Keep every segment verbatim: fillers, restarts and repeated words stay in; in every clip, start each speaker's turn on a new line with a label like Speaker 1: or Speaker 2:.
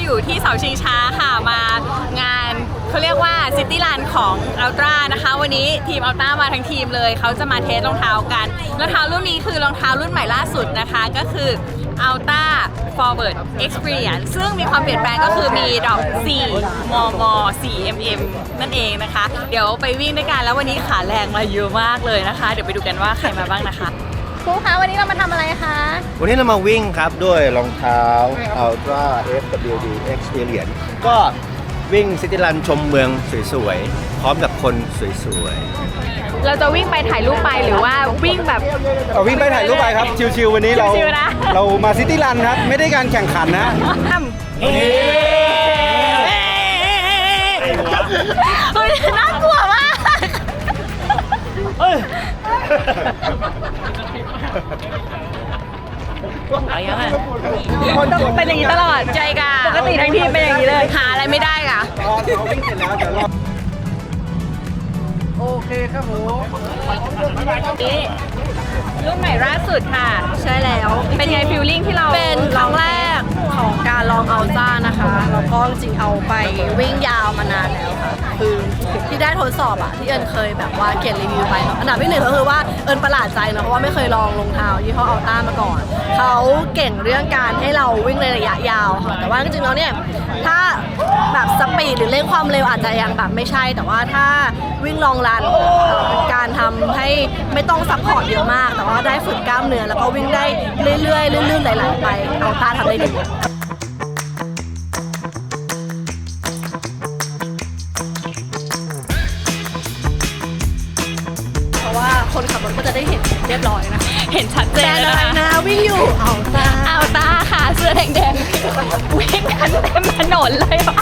Speaker 1: อยู่ที่เสาชิงช้าค่ะมางานเขาเรียกว่าซิตี้รันของอัลตร้านะคะวันนี้ทีมอัลตร้ามาทั้งทีมเลยเขาจะมาเทสรองเท้ากันรองเท้ารุ่นนี้คือรองเท้ารุ่นใหม่ล่าสุดนะคะก็คือ Alta Forward Experience ซึ่งมีความเปลี่ยนแปลงก็คือมีดอกสี่มมสี่ mm นั่นเองนะคะเดี๋ยวไปวิ่งด้วยกันแล้ววันนี้ขาแรงมาเยอะมากเลยนะคะเดี๋ยวไปดูกันว่าใครมาบ้างนะคะครูคะวันนี้เรามาทำอะไรคะ
Speaker 2: วันนี้เรามาวิ่งครับด้วยรองเท้า Altra เอฟ ดับเบิลยู ดี Experience ก็วิ่งซิตี้รันชมเมืองสวยๆพร้อมกับคนสวย
Speaker 1: ๆเราจะวิ่งไปถ่ายรูปไปหรือว่าวิ่งแบบ
Speaker 3: เอาวิ่งไปถ่ายรูปไปครับชิวๆวันนี้เราเรามาซิตี้รันครับไม่ได้การแข่งขันนะ
Speaker 1: เฮ้ยน่ากลัวมากต้องเป็นอย่างนี้ตลอดใจกะปกติทั้งทีมเป็นอย่างนี้เลยหาอะไรไม่ได้กะ
Speaker 3: เราวิ่งเสร็จแล้วเดี๋ยวเราโอเคครับผม
Speaker 1: นี่รุ่นใหม่ล่าสุดค่ะ
Speaker 4: ใช่แล้ว
Speaker 1: เป็นไงฟิลลิ่งที่เรา
Speaker 4: เป็นครั้งแรกของการลองอัลต้านะคะแล้วก็จริงเอาไปวิ่งยาวมานานแล้วค่ะคือที่ได้ทดสอบอะที่เอิญเคยแบบว่าเขียนรีวิวไปเนาะอันดับที่หนึ่งก็คือว่าเอิญประหลาดใจนะเพราะว่าไม่เคยลองรองเท้ายี่ห้ออัลต้ามาก่อนเขาเก่งเรื่องการให้เราวิ่งในระยะยาวค่ะแต่ว่าจริงๆแล้วเนี่ยถ้าแบบสปีดหรือเร่งความเร็วอาจจะยังแบบไม่ใช่แต่ว่าถ้าวิ่งลองรันเป็นการทำให้ไม่ต้องซัพพอร์ตเยอะมากแต่ว่าได้ฝึกกล้ามเนื้อแล้วก็วิ่งได้เรื่อยๆลื่นๆไหลๆไปอัลต้าทำได้ดีเพราะว่าคนขับรถก็จะได้เห็นเรียบร้อยนะ
Speaker 1: เห็นชัดเจนแล้วนะคะ
Speaker 4: นะวิ่งอยู่อัลต้า
Speaker 1: อัลต้าค่ะเสื้อแดงๆวิ่งกันเต็มถนนเลยว่ะ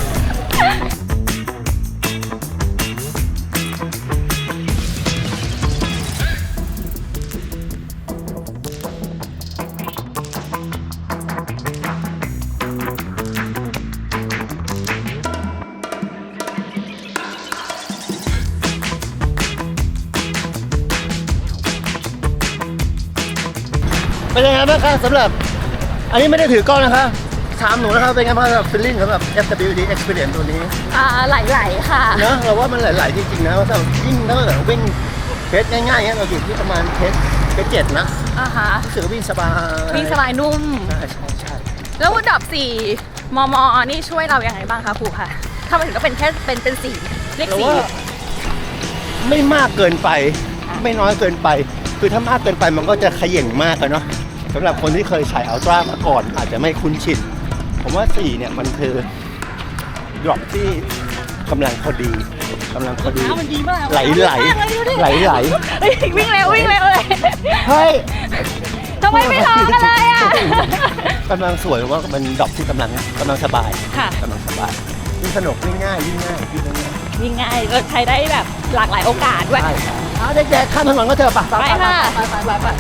Speaker 2: เป็นยังไงบ้างครับสำหรับอันนี้ไม่ได้ถือกล้องนะคะถามหนูนะครับเป็นไงบ้างสำหรับฟีลลิ่งสำหรับ เอฟ ดับเบิลยู ดี Experience ตัวนี้
Speaker 1: อ่าไหลๆค่ะ
Speaker 2: เนอะเราว่ามันไหลๆจริงๆนะว่าถ้ายิ่งถ้าเกิดวิ่งเพจง่ายๆเงี้ยเราอยู่ที่ประมาณเพจเพจเจ็ดนะ
Speaker 1: อ่าฮะ
Speaker 2: รู้สึกวิ่งสบาย
Speaker 1: วิ่งสบายนุ่ม
Speaker 2: ใช่ใช่ใช่
Speaker 1: แล้วดับสี่มมนี่ช่วยเราอย่างไรบ้างคะครูค่ะถ้ามันถึงก็เป็นแค่เป็นเป็นสี่เลขสี่
Speaker 2: ไม่มากเกินไปไม่น้อยเกินไปคือถ้ามากเกินไปมันก็จะขย่งมากเลยเนาะสำหรับคนที่เคยใช้อัลตร้ามาก่อนอาจจะไม่คุ้นชินผมว่าสี่เนี่ยมันคือดรอปที่กำลังพอดีกำลังพอดีไหลไหลไหลไหล
Speaker 1: วิ่งเร็ววิ่งเร็วเลย
Speaker 2: เฮ้ย
Speaker 1: ทำไมไม่ร้องกันเลยอ่ะ
Speaker 2: กำลังสวยว่ามันดรอปที่กำลังกำลังสบาย
Speaker 1: ค่ะ
Speaker 2: กำลังสบายวิ่งสนุกวิ่งง่ายวิ่งง่ายวิ่งง่าย
Speaker 1: วิ่งง่ายเราใช้ได้แบบหลากหลายโอกาสด้วย
Speaker 2: เอาเด็กๆข้ามถนนก็เจอปะ
Speaker 1: ไปค่ะ
Speaker 2: ไปไปไป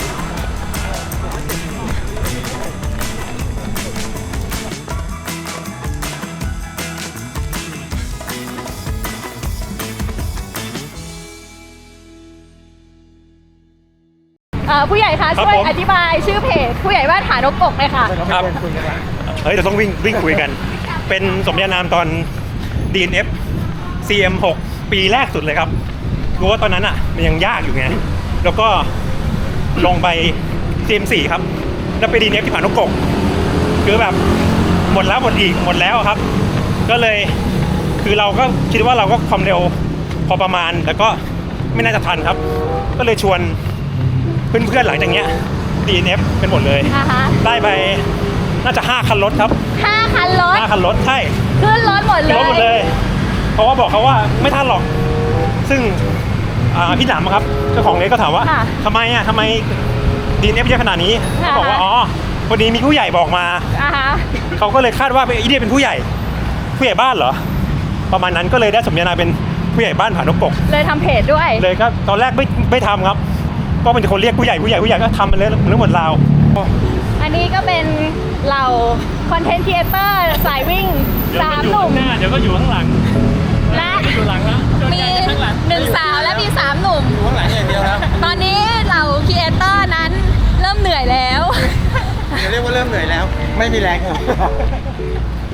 Speaker 1: ผู้ใหญ่คะช่วยอธิบายชื่อเพจผู้ใหญ่บ้านฐานนกกเลยค่ะ
Speaker 3: ครับเฮ้ยเราต้องวิ่งวิ่งคุยกันเป็นสมญานามตอน ดี เอ็น เอฟ ซี เอ็ม หก ปีแรกสุดเลยครับรู้ว่าตอนนั้นอ่ะมันยังยากอยู่ไงแล้วก็ลงไป ซี เอ็ม โฟร์ ครับแล้วไป ดี เอ็น เอฟ ที่ผานกกคือแบบหมดแล้วหมดอีกหมดแล้วครับก็เลยคือเราก็คิดว่าเราก็ความเร็วพอประมาณแต่ก็ไม่น่าจะทันครับก็เลยชวนเพื่อนๆหลังจากเนี้ย ดี เอ็น เอฟ เป็นหมดเลยได้ไปน่าจะห้าคันรถครับ
Speaker 1: ห้าคันรถ
Speaker 3: ห้าคันรถใช่
Speaker 1: ขึ้นรถหมดเลย
Speaker 3: ขึ้นรถหมดเลยเพราะว่าบอกเขาว่าไม่ทันหรอกซึ่งพี่หนามครับเจ้าของเลสก็ถามว่าทำไมอ่ะทำไม ดี เอ็น เอฟ เยอะขนาดนี้เขาบอกว่าอ๋อพอดีมีผู้ใหญ่บอกมาเขาก็เลยคาดว่าไอ้นี่เป็นผู้ใหญ่ผู้ใหญ่บ้านเหรอประมาณนั้นก็เลยได้สมญานามเป็นผู้ใหญ่บ้านผานกก
Speaker 1: เลยทำเพจด้วย
Speaker 3: เลยก็ตอนแรกไม่ไม่ทำครับก็เป็นคนเรียกผู้ใหญ่ผู้ใหญ่ผู้ใหญ่ก็ทำไปเลยเรื่องหมดราว
Speaker 1: อันนี้ก็เป็นเหล่าคอนเทนต์ครีเอเตอร์สายวิ่งสามหนุ่ม
Speaker 3: เดี๋ยวก็อยู่ข้างหลัง
Speaker 1: และ
Speaker 3: อยู่หลังแล้ว
Speaker 1: มีหนึ่งสาวและมีสามหนุ่ม
Speaker 3: อยู่ข้างหลังอย่างเดียวครับ
Speaker 1: ตอนนี้เหล่าครีเอเตอร์นั้นเริ่มเหนื่อยแล้ว
Speaker 3: จะเรียกว่าเริ่มเหนื่อยแล้วไม่มีแรงครับ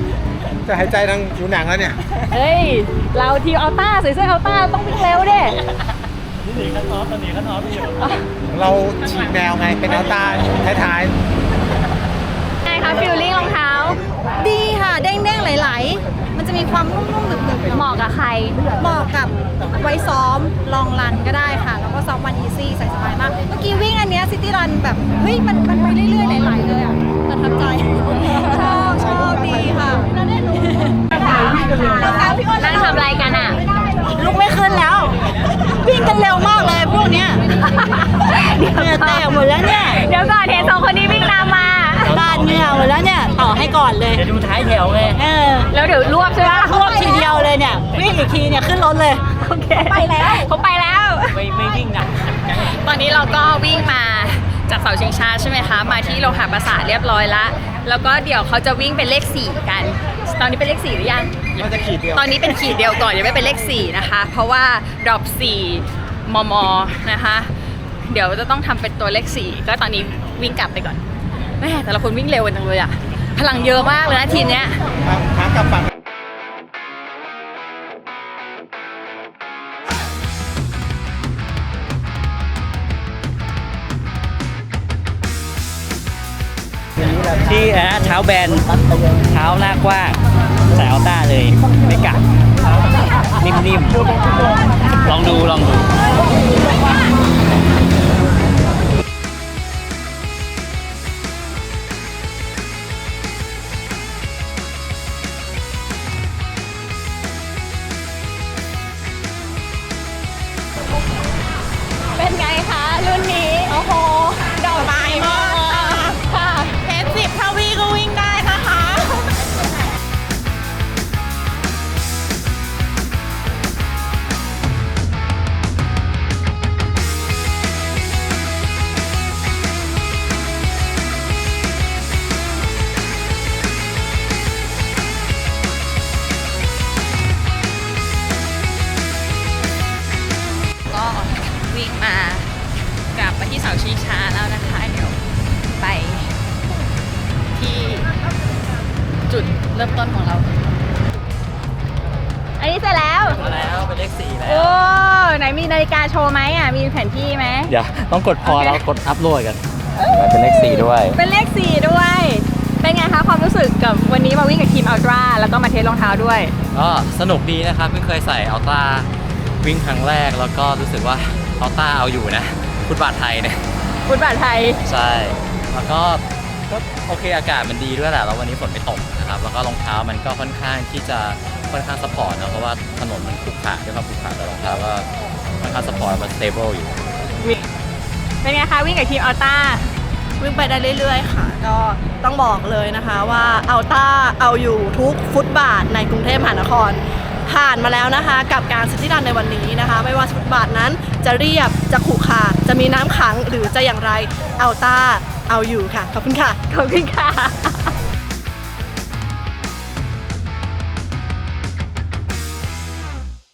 Speaker 2: จะหายใจทางผิวหนังแล้วเนี่ย
Speaker 1: เฮ้ย เราทีมอัลต้าใส่เสื้ออัลต้าต้องวิ่งเร็วดิ
Speaker 3: นี่ขั้นออฟตอนนี้ขั้นออฟอยู่
Speaker 2: เราฉีกแนวไงเป็นอัลต้าท้าย
Speaker 1: ไงคะฟิลลิ่งรองเท้า
Speaker 4: ดีค่ะ เด้งๆไหลๆมันจะมีความนุ่มๆหนึบๆ
Speaker 1: เหมาะกับใคร
Speaker 4: เหมาะกับไว้ซ้อมลองรันก็ได้ค่ะ แล้วก็ซ้อมวันอีซี่ใส่สบายมาก เมื่อกี้วิ่งอันเนี้ซิตี้รันแบบ เฮ้ย มันมันไปเรื่อยๆไหลๆเลยอ่ะประทับใจ ชอบชอบดีค่ะแล้วได้รู้พี่อ้น
Speaker 1: นั่งทำอะไรกันอ่ะ
Speaker 4: ลุกไม่ขึ้นแล้ว วิ่งกันเร็วมากเลยพวกเนี้ยเหงื่อแตกหมดแล้วเนี่ย
Speaker 1: เดี๋ยวก่อนเห็นสองคนนี้วิ่งตามมา
Speaker 4: บ้านเหงื่อหมดแล้วเนี่ยต่อให้ก่อนเลย
Speaker 3: เดี๋ยวดูท้ายแถวไง
Speaker 4: เออ
Speaker 1: แล้วเดี๋ยวรวบใช่ไหม
Speaker 4: รวบทีเดียวเลยเนี่ยวิ่งอีกทีเนี่ยขึ้นรถเลย
Speaker 1: โอเคไปแล้วเขาไปแล้ว
Speaker 3: ไม่ไม่วิ่งนะ
Speaker 1: ตอนนี้เราก็วิ่งมาจากเสาชิงช้าใช่ไหมคะ มาที่โลหะประสาทเรียบร้อยละแล้วก็เดี๋ยวเขาจะวิ่งเป็นเลขสี่กัน ตอนนี้เป็นเลขสี่หรือยัง
Speaker 2: ๆมันจะขีดเดียว
Speaker 1: ตอนนี้เป็นขีดเดียวก่อนยังไม่เป็นเลขสี่นะคะ เพราะว่าดรอปสี่มมนะคะ เดี๋ยวจะต้องทำเป็นตัวเลขสี่ก็ตอนนี้วิ่งกลับไปก่อนแม่แต่ละคนวิ่งเร็วกันจังเลยอะพลังเยอะมากเลยนะทีมเนี้ย
Speaker 2: หากลับฝั่ง
Speaker 5: ที่อ่ะเท้าแบนเท้าหน้ากว้างใส่อัลต้าเลย ไม่กัดนิ่มๆ ลองดูลองดู
Speaker 1: เป็นไงคะรุ่นนี้โอ้โหดอกไม้มากค่ะเทปสิบถ้าวิ่งก็วิ่งได้นะคะ ก็วิ่งมากลับมาที่เสาชิงช้าแล้วนะคะ เดี๋ยวไปที่จุดเริ่มต้นของเรา อันนี้เสร็จแล้ว
Speaker 5: มาแล้วเป็นเลขสี่แล้ว
Speaker 1: โอ้ไหนมีนาฬิกาโชว์ไหมอ่ะ มีแผนที่ไหม
Speaker 5: เดี๋ยวต้องกดพอ
Speaker 1: โอเค
Speaker 5: แล้วกดอัพโหลดกันเป็นเลขสี่ด้วย
Speaker 1: เป็นเลขสี่ด้วย เป็นไงคะความรู้สึกกับวันนี้มาวิ่งกับทีมอัลตร้าแล้วก็มาเทสรองเท้าด้วย
Speaker 5: ก็สนุกดีนะครับเพิ่งเคยใส่อัลต้าวิ่งครั้งแรกแล้วก็รู้สึกว่าอัลต้าเอาอยู่นะฟุตบาทไทยเนี่ย
Speaker 1: ฟุตบาทไทย
Speaker 5: ใช่ แล้วก็ก็โอเคอากาศมันดีด้วยแหละ แล้ววันนี้ฝนไม่ตกนะครับ แล้วก็รองเท้ามันก็ค่อนข้างที่จะค่อนข้างซัพพอร์ตนะ เพราะว่าถนนมันขรุขระด้วยความขรุขระแต่รองเท้าก็ค่อนข้างซัพพอร์ตมันสเตเบิลอยู่
Speaker 1: เป็นไงคะวิ่งกับทีมอัลต้า
Speaker 4: วิ่งไปได้เรื่อยๆค่ะ ก็ต้องบอกเลยนะคะว่าอัลต้าเอาอยู่ทุกฟุตบาทในกรุงเทพมหานคร ผ่านมาแล้วนะคะ กับการซิตี้รันในวันนี้นะคะ ไม่ว่าฟุตบาทนั้นจะเรียบจะขรุขระจะมีน้ำขังหรือจะอย่างไรอัลต้าเอาอยู่ค่ะ ขอบคุณค่ะ
Speaker 1: ขอบคุณค่ะ